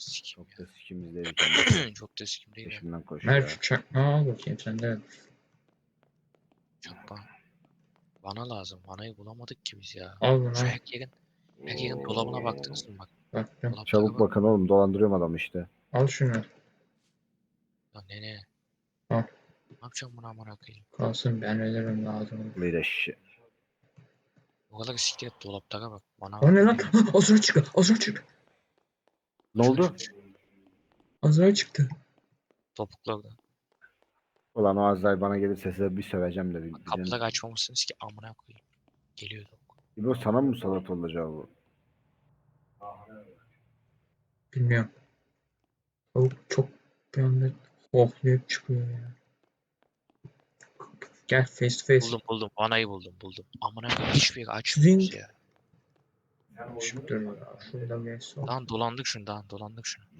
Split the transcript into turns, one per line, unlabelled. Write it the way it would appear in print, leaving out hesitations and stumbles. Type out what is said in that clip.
sikim
Çok da sikimizdeydi kendisi.
Çok da sikim değil mi?
Peşimden
Ver
koşuyor.
şu çakmağı al bakayım sende.
Çakma. Vana lazım. Vanayı bulamadık ki biz ya.
Al bunu
Şu
al.
Hackyack'in dolabına baktınız mı bak?
Baktım.
Dolaptaki
Çabuk
bak.
bakın oğlum, dolandırıyorum adam işte.
Al şunu.
Ya ne?
Al.
Ne yapacağım bunu amına koyayım?
Kalsın ben öderim lazım.
Bir de şi.
O kadar siktir et dolaptaki bak. Bana
O ne lan?
bak.
Azra çıktı. Azra çıktı.
Ne oldu?
Azra çıktı.
Topukla
Ulan o Azrail bana gelirse size bir söveceğim de.
kapıda kaçmamışsınız ki amına koyayım. Geliyordu.
İbo sana mı musallat olacağı bu?
Bilmiyorum. Tavuk çok bir anda hohlayıp çıkıyor ya. Gel face to face.
Buldum. Vanayı buldum. Amına koyayım hiçbir yere
Zing.
açmıyoruz ya.
Şükür ya. Şurada bir son.
Dolandık şunu.